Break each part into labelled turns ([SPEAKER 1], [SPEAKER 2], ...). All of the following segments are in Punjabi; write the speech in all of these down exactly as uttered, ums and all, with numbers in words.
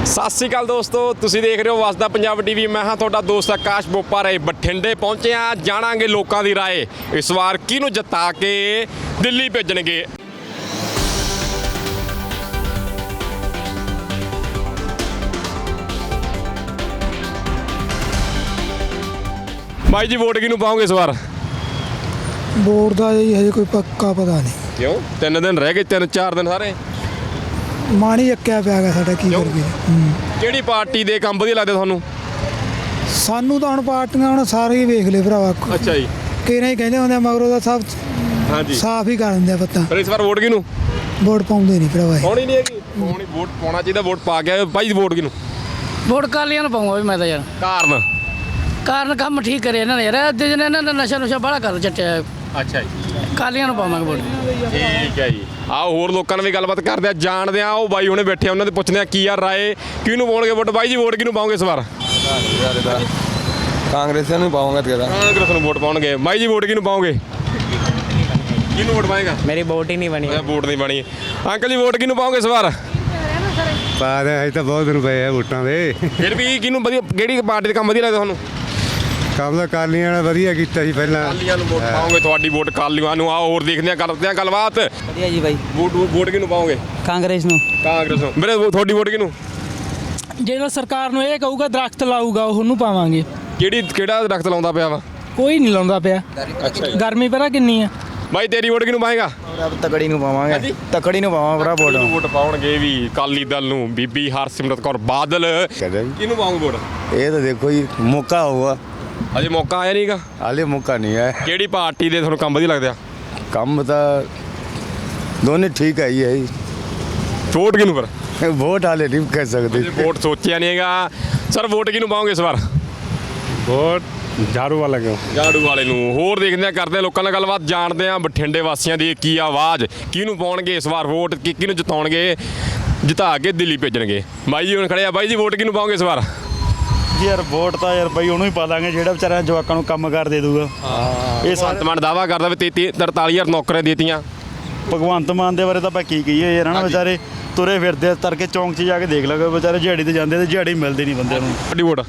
[SPEAKER 1] ਸਤਿ ਸ਼੍ਰੀ ਅਕਾਲ ਦੋਸਤੋ, ਤੁਸੀਂ ਦੇਖ ਰਹੇ ਹੋ ਵਸਦਾ ਪੰਜਾਬ ਟੀਵੀ। ਮੈਂ ਹਾਂ ਤੁਹਾਡਾ ਦੋਸਤ ਆਕਾਸ਼ ਬੋਪਾਰੇ। ਬਠਿੰਡੇ ਪਹੁੰਚੇ ਆ, ਜਾਣਾਂਗੇ ਲੋਕਾਂ ਦੀ ਰਾਏ ਇਸ ਵਾਰ ਕਿਹਨੂੰ ਜਿਤਾ ਕੇ ਦਿੱਲੀ ਭੇਜਣਗੇ। ਬਾਈ ਜੀ ਵੋਟ ਕਿਹਨੂੰ ਪਾਓਗੇ ਇਸ ਵਾਰ?
[SPEAKER 2] ਵੋਟ ਦਾ ਜੀ ਹਜੇ ਕੋਈ ਪੱਕਾ ਪਤਾ ਨਹੀਂ।
[SPEAKER 1] ਕਿਉਂ? ਤਿੰਨ ਦਿਨ ਰਹਿ ਗਏ, ਤਿੰਨ ਚਾਰ ਦਿਨ ਸਾਰੇ
[SPEAKER 2] ਮਾਣੀ ਅੱਕਿਆ ਪਿਆ ਗਾ ਸਾਡਾ, ਕੀ ਕਰੀਏ।
[SPEAKER 1] ਕਿਹੜੀ ਪਾਰਟੀ ਦੇ ਕੰਮ ਵਧੀਆ ਲੱਗਦੇ ਤੁਹਾਨੂੰ?
[SPEAKER 2] ਸਾਨੂੰ ਤਾਂ ਹੁਣ ਪਾਰਟੀਆਂ ਹੁਣ ਸਾਰੇ ਹੀ ਵੇਖ ਲਏ ਭਰਾਵਾ।
[SPEAKER 1] ਅੱਛਾ ਜੀ,
[SPEAKER 2] ਕਿਹਨੇ ਹੀ ਕਹਿੰਦੇ ਹੁੰਦੇ ਆ ਮਗਰੋਂ ਦਾ ਸਭ
[SPEAKER 1] ਹਾਂਜੀ
[SPEAKER 2] ਸਾਫ਼ ਹੀ ਕਰ ਦਿੰਦੇ ਆ ਪੱਤਾ।
[SPEAKER 1] ਪਰ ਇਸ ਵਾਰ ਵੋਟ ਕਿਹਨੂੰ?
[SPEAKER 2] ਵੋਟ ਪਾਉਂਦੇ ਨਹੀਂ ਭਰਾਵਾ।
[SPEAKER 1] ਪਾਉਣੀ ਨਹੀਂ ਹੈਗੀ। ਪਾਉਣੀ ਵੋਟ ਪਾਉਣਾ ਚਾਹੀਦਾ। ਵੋਟ ਪਾ ਗਿਆ ਭਾਈ। ਵੋਟ ਕਿਹਨੂੰ?
[SPEAKER 3] ਵੋਟ ਕਾਲੀਆਂ ਨੂੰ ਪਾਉਂਗਾ ਵੀ ਮੈਂ ਤਾਂ ਯਾਰ।
[SPEAKER 1] ਕਾਰਨ?
[SPEAKER 3] ਕਾਰਨ ਕੰਮ ਠੀਕ ਕਰੇ ਇਹਨਾਂ ਨੇ ਯਾਰ। ਅੱਧੇ ਦਿਨ ਇਹਨਾਂ ਦਾ ਨਸ਼ਾ ਨੁਸ਼ਾ ਬੜਾ ਕਰ ਚੱਟਿਆ।
[SPEAKER 1] ਅੱਛਾ ਜੀ,
[SPEAKER 3] ਕਾਲੀਆਂ ਨੂੰ ਪਾਵਾਂਗੇ ਵੋਟ।
[SPEAKER 1] ਠੀਕ ਹੈ ਜੀ। ਆਓ ਹੋਰ ਲੋਕਾਂ ਨਾਲ ਵੀ ਗੱਲਬਾਤ ਕਰਦੇ ਆ, ਜਾਣਦੇ ਆ। ਉਹ ਬਾਈ ਹੁਣੇ ਬੈਠੇ ਆ, ਉਹਨਾਂ ਦੇ ਪੁੱਛਦੇ ਆ ਕੀ ਆ ਰਾਏ, ਕਿਹਨੂੰ ਪਾਉਣਗੇ ਵੋਟ। ਬਾਈ ਜੀ ਵੋਟ ਕਿਹਨੂੰ ਪਾਓਗੇ ਇਸ ਵਾਰ?
[SPEAKER 4] ਕਾਂਗਰਸ ਨੂੰ ਪਾਉਂਗਾ ਤੇਰਾ।
[SPEAKER 1] ਕਾਂਗਰਸ ਨੂੰ ਵੋਟ ਪਾਉਣਗੇ। ਬਾਈ ਜੀ ਵੋਟ ਕਿਹਨੂੰ ਪਾਓਗੇ? ਕਿਹਨੂੰ ਵੋਟ ਪਾਏਗਾ?
[SPEAKER 5] मेरी वोट ही नहीं बनी।
[SPEAKER 1] ਵੋਟ ਨਹੀਂ ਬਣੀ। ਅੰਕਲ ਜੀ ਵੋਟ ਕਿਹਨੂੰ ਪਾਓਗੇ ਇਸ ਵਾਰ?
[SPEAKER 6] ਪਾ ਦੇ ਅਜੇ ਤਾਂ ਬਹੁਤ ਰੁਪਏ ਆ ਵੋਟਾਂ ਦੇ।
[SPEAKER 1] ਫਿਰ ਵੀ ਕਿਹਨੂੰ ਵਧੀਆ, ਕਿਹੜੀ ਪਾਰਟੀ ਦੇ ਕੰਮ ਵਧੀਆ ਲੱਗਦਾ ਤੁਹਾਨੂੰ?
[SPEAKER 6] ਕੰਮ ਤਾਂ ਕਾਲੀਆਂ ਵਾਲਾ ਵਧੀਆ ਕੀਤਾ ਸੀ ਪਹਿਲਾਂ।
[SPEAKER 1] ਕਾਲੀਆਂ ਨੂੰ ਵੋਟ ਪਾਓਗੇ। ਤੁਹਾਡੀ ਵੋਟ ਕਾਲੀਆਂ ਨੂੰ। ਆਓ ਹੋਰ ਦੇਖਦੇ ਆ, ਕਰਦੇ ਆ ਗੱਲਬਾਤ।
[SPEAKER 5] बढ़िया जी भाई।
[SPEAKER 1] ਵੋਟ ਵੋਟ ਕਿਹਨੂੰ ਪਾਓਗੇ?
[SPEAKER 5] कांग्रेस ਨੂੰ।
[SPEAKER 1] ਕਾਂਗਰਸ ਨੂੰ। ਮੇਰੇ ਤੁਹਾਡੀ ਵੋਟ ਕਿਹਨੂੰ?
[SPEAKER 7] ਜਿਹੜਾ ਸਰਕਾਰ ਨੂੰ ਇਹ ਕਹੂਗਾ ਦਰਖਤ ਲਾਊਗਾ ਉਹਨੂੰ ਪਾਵਾਂਗੇ।
[SPEAKER 1] ਕਿਹੜੀ ਕਿਹੜਾ ਦਰਖਤ ਲਾਉਂਦਾ ਪਿਆ ਵਾ?
[SPEAKER 7] ਕੋਈ ਨਹੀਂ ਲਾਉਂਦਾ ਪਿਆ।
[SPEAKER 1] ਅੱਛਾ
[SPEAKER 7] ਗਰਮੀ ਪਤਾ ਕਿੰਨੀ ਆ।
[SPEAKER 1] ਬਾਈ ਤੇਰੀ ਵੋਟ ਕਿਹਨੂੰ ਪਾਏਗਾ?
[SPEAKER 4] ਤਕੜੀ ਨੂੰ ਪਾਵਾਂਗੇ। ਤਕੜੀ ਨੂੰ ਪਾਵਾਂ ਭਰਾ ਵੋਟ।
[SPEAKER 1] ਵੋਟ ਪਾਉਣਗੇ ਵੀ ਅਕਾਲੀ ਦਲ ਨੂੰ। ਬੀਬੀ ਹਰਸਿਮਰਤ ਕੌਰ ਬਾਦਲ। ਕਿਹਨੂੰ ਪਾਉਂਗੇ ਵੋਟ?
[SPEAKER 4] ਇਹ ਤਾਂ ਦੇਖੋ ਜੀ ਮੌਕਾ ਹੋਊਗਾ।
[SPEAKER 1] ਅਜੇ ਮੌਕਾ ਆਇਆ ਨਹੀਂਗਾ।
[SPEAKER 4] ਹਾਲੇ ਮੌਕਾ ਨਹੀਂ ਹੈ।
[SPEAKER 1] ਕਿਹੜੀ ਪਾਰਟੀ ਦੇ ਤੁਹਾਨੂੰ ਕੰਮ ਵਧੀਆ ਲੱਗਦੇ ਆ?
[SPEAKER 4] ਕੰਮ ਤਾਂ ਦੋਨੇ ਠੀਕ ਹੈ ਹੀ ਹੈ ਜੀ।
[SPEAKER 1] ਵੋਟ ਕਿਹਨੂੰ ਪਰ?
[SPEAKER 4] ਵੋਟ ਹਾਲੇ ਨਹੀਂ ਕਹਿ ਸਕਦੇ।
[SPEAKER 1] ਵੋਟ ਸੋਚਿਆ ਨਹੀਂ ਹੈਗਾ। ਸਰ ਵੋਟ ਕਿਹਨੂੰ ਪਾਓਗੇ ਇਸ ਵਾਰ?
[SPEAKER 6] ਵੋਟ ਝਾੜੂ ਵਾਲਾ ਕਿਉਂ?
[SPEAKER 1] ਝਾੜੂ ਵਾਲੇ ਨੂੰ। ਹੋਰ ਦੇਖਦੇ ਆ, ਕਰਦੇ ਆ ਲੋਕਾਂ ਨਾਲ ਗੱਲਬਾਤ, ਜਾਣਦੇ ਆ ਬਠਿੰਡੇ ਵਾਸੀਆਂ ਦੀ ਕੀ ਆਵਾਜ਼, ਕਿਹਨੂੰ ਪਾਉਣਗੇ ਇਸ ਵਾਰ ਵੋਟ, ਕਿ ਕਿਹਨੂੰ ਜਿਤਾਉਣਗੇ, ਜਿਤਾ ਕੇ ਦਿੱਲੀ ਭੇਜਣਗੇ। ਬਾਈ ਜੀ ਹੁਣ ਖੜੇ ਆ। ਬਾਈ ਜੀ ਵੋਟ ਕਿਹਨੂੰ ਪਾਓਗੇ ਇਸ ਵਾਰ?
[SPEAKER 8] ਯਾਰ ਵੋਟ ਤਾਂ ਯਾਰ ਬਾਈ ਉਹਨੂੰ ਹੀ ਪਾ ਦਾਂਗੇ ਜਿਹੜਾ ਵਿਚਾਰਾ ਜਵਾਕਾਂ ਨੂੰ ਕੰਮ ਕਰ ਦੇ ਦੂਗਾ। ਇਹ
[SPEAKER 1] ਭਗਵੰਤ ਮਾਨ ਦਾਵਾ ਕਰਦਾ ਵੀ ਤੇਤੀ ਤਰਤਾਲੀ ਹਜ਼ਾਰ ਨੌਕਰੀਆਂ ਦੇਤੀਆਂ।
[SPEAKER 8] ਭਗਵੰਤ ਮਾਨ ਦੇ ਬਾਰੇ ਤਾਂ ਆਪਾਂ ਕੀ ਕਹੀਏ ਯਾਰ ਹਨਾ। ਵਿਚਾਰੇ ਤੁਰੇ ਫਿਰਦੇ ਤੜਕੇ ਚੌਂਕ 'ਚ ਜਾ ਕੇ ਦੇਖ ਲਗਾ, ਵਿਚਾਰੇ ਦਿਹਾੜੀ ਤੇ ਜਾਂਦੇ ਤੇ ਦਿਹਾੜੀ ਮਿਲਦੀ ਨਹੀਂ ਬੰਦੇ ਨੂੰ।
[SPEAKER 1] ਤੁਹਾਡੀ ਵੋਟ?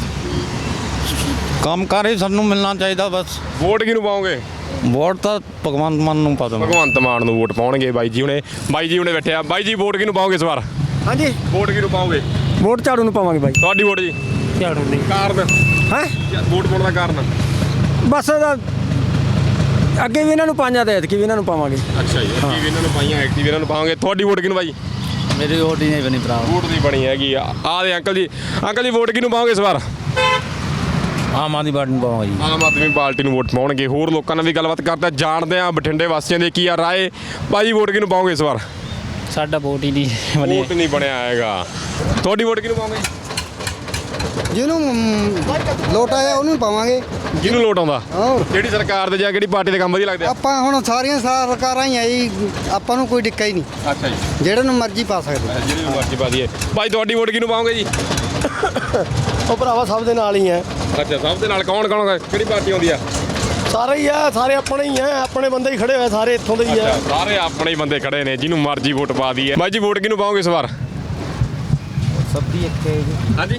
[SPEAKER 9] ਕੰਮ ਕਰ ਹੀ ਸਾਨੂੰ ਮਿਲਣਾ ਚਾਹੀਦਾ ਬਸ।
[SPEAKER 1] ਵੋਟ ਕਿਹਨੂੰ ਪਾਓਗੇ?
[SPEAKER 9] ਵੋਟ ਤਾਂ ਭਗਵੰਤ ਮਾਨ ਨੂੰ ਪਾ ਦਵਾਂ।
[SPEAKER 1] ਭਗਵੰਤ ਮਾਨ ਨੂੰ ਵੋਟ ਪਾਉਣਗੇ ਬਾਈ ਜੀ ਹੁਣੇ। ਬਾਈ ਜੀ ਹੁਣੇ ਬੈਠੇ ਆ। ਬਾਈ ਜੀ ਵੋਟ ਕਿਹਨੂੰ ਪਾਓਗੇ ਇਸ ਵਾਰ?
[SPEAKER 2] ਹਾਂਜੀ
[SPEAKER 1] ਵੋਟ ਕਿਹਨੂੰ ਪਾਓਗੇ?
[SPEAKER 2] ਵੋਟ ਝਾੜੂ ਨੂੰ ਪਾਵਾਂਗੇ ਬਾਈ।
[SPEAKER 1] ਤੁਹਾਡੀ ਵੋਟ ਜੀ?
[SPEAKER 2] ਝਾੜੂ ਨਹੀਂ।
[SPEAKER 1] ਕਾਰਨ?
[SPEAKER 2] ਹੈ
[SPEAKER 1] ਵੋਟ ਪਾਉਣ ਦਾ ਕਾਰਨ?
[SPEAKER 2] ਬਸ ਇਹਦਾ ਅੱਗੇ ਵੀ ਇਹਨਾਂ ਨੂੰ ਪਾਈਆਂ ਤੇ ਐਤਕੀ ਵੀ ਇਹਨਾਂ ਨੂੰ ਪਾਵਾਂਗੇ।
[SPEAKER 1] ਅੱਛਾ ਜੀ, ਐਕਟਿਵ ਇਹਨਾਂ ਨੂੰ ਪਾਈਆਂ, ਐਕਟਿਵ ਇਹਨਾਂ ਨੂੰ ਪਾਵਾਂਗੇ। ਤੁਹਾਡੀ ਵੋਟ ਕਿਹਨੂੰ ਬਾਈ?
[SPEAKER 5] मेरी वोट ही नहीं बनी भरा।
[SPEAKER 1] ਵੋਟ ਨਹੀਂ ਬਣੀ ਹੈਗੀ। ਆ ਆਹ ਦੇ ਅੰਕਲ ਜੀ। ਅੰਕਲ ਜੀ ਵੋਟ ਕਿਹਨੂੰ ਪਾਓਗੇ ਇਸ ਵਾਰ?
[SPEAKER 9] ਆਮ ਆਦਮੀ ਪਾਰਟੀ ਨੂੰ ਪਾਵਾਂਗਾ ਜੀ।
[SPEAKER 1] ਆਮ ਆਦਮੀ ਪਾਰਟੀ ਨੂੰ ਵੋਟ ਪਾਉਣਗੇ। ਹੋਰ ਲੋਕਾਂ ਨਾਲ ਵੀ ਗੱਲਬਾਤ ਕਰਦੇ, ਜਾਣਦੇ ਆ ਬਠਿੰਡੇ ਵਾਸੀਆਂ ਦੇ ਕੀ ਆ ਰਾਏ। ਭਾਜੀ ਵੋਟ ਕਿਹਨੂੰ ਪਾਓਗੇ ਇਸ ਵਾਰ?
[SPEAKER 5] साडा वोट ही नहीं बनी।
[SPEAKER 1] ਵੋਟ ਨਹੀਂ ਬਣਿਆ ਹੈਗਾ। ਤੁਹਾਡੀ ਵੋਟ ਕਿਹਨੂੰ ਪਾਓਗੇ?
[SPEAKER 2] ਜਿਹਨੂੰ ਲੋਟ ਆਇਆ ਉਹਨੂੰ ਪਾਵਾਂਗੇ।
[SPEAKER 1] ਜਿਹਨੂੰ ਲੋਟ ਆਉਂਦਾ।
[SPEAKER 2] ਹੋਰ
[SPEAKER 1] ਕਿਹੜੀ ਸਰਕਾਰ ਦੇ ਜਾਂ ਕਿਹੜੀ ਪਾਰਟੀ ਦੇ ਕੰਮ ਵਧੀਆ ਲੱਗਦੇ ਆ?
[SPEAKER 2] ਆਪਾਂ ਹੁਣ ਸਾਰੀਆਂ ਸਰਕਾਰਾਂ ਹੀ ਆਈ, ਆਪਾਂ ਨੂੰ ਕੋਈ ਡਿੱਕਾ ਹੀ ਨਹੀਂ।
[SPEAKER 1] ਅੱਛਾ ਜੀ,
[SPEAKER 2] ਜਿਹੜੇ ਨੂੰ ਮਰਜ਼ੀ ਪਾ ਸਕਦੇ।
[SPEAKER 1] ਜਿਹੜੀ ਮਰਜ਼ੀ ਪਾ ਦਈਏ। ਭਾਈ ਤੁਹਾਡੀ ਵੋਟ ਕਿਹਨੂੰ ਪਾਓਗੇ ਜੀ?
[SPEAKER 8] ਉਹ ਭਰਾਵਾ ਸਭ ਦੇ ਨਾਲ ਹੀ ਆ।
[SPEAKER 1] ਅੱਛਾ, ਸਭ ਦੇ ਨਾਲ ਕੌਣ ਕੌਣ, ਕਿਹੜੀ ਪਾਰਟੀ ਆਉਂਦੀ ਆ?
[SPEAKER 8] ਸਾਰੇ ਹੀ ਆ, ਸਾਰੇ ਆਪਣੇ ਹੀ ਆ, ਆਪਣੇ ਬੰਦੇ ਹੀ ਖੜੇ ਹੋਏ ਸਾਰੇ ਇੱਥੋਂ ਦੇ ਹੀ ਆ।
[SPEAKER 1] ਅੱਛਾ, ਸਾਰੇ ਆਪਣੇ ਹੀ ਬੰਦੇ ਖੜੇ ਨੇ, ਜਿਹਨੂੰ ਮਰਜ਼ੀ ਵੋਟ ਪਾ ਦਈਏ। ਭਾਈ ਜੀ ਵੋਟ ਕਿਹਨੂੰ ਪਾਓਗੇ ਇਸ ਵਾਰ?
[SPEAKER 5] सब दी एक
[SPEAKER 1] ਹਾਂਜੀ,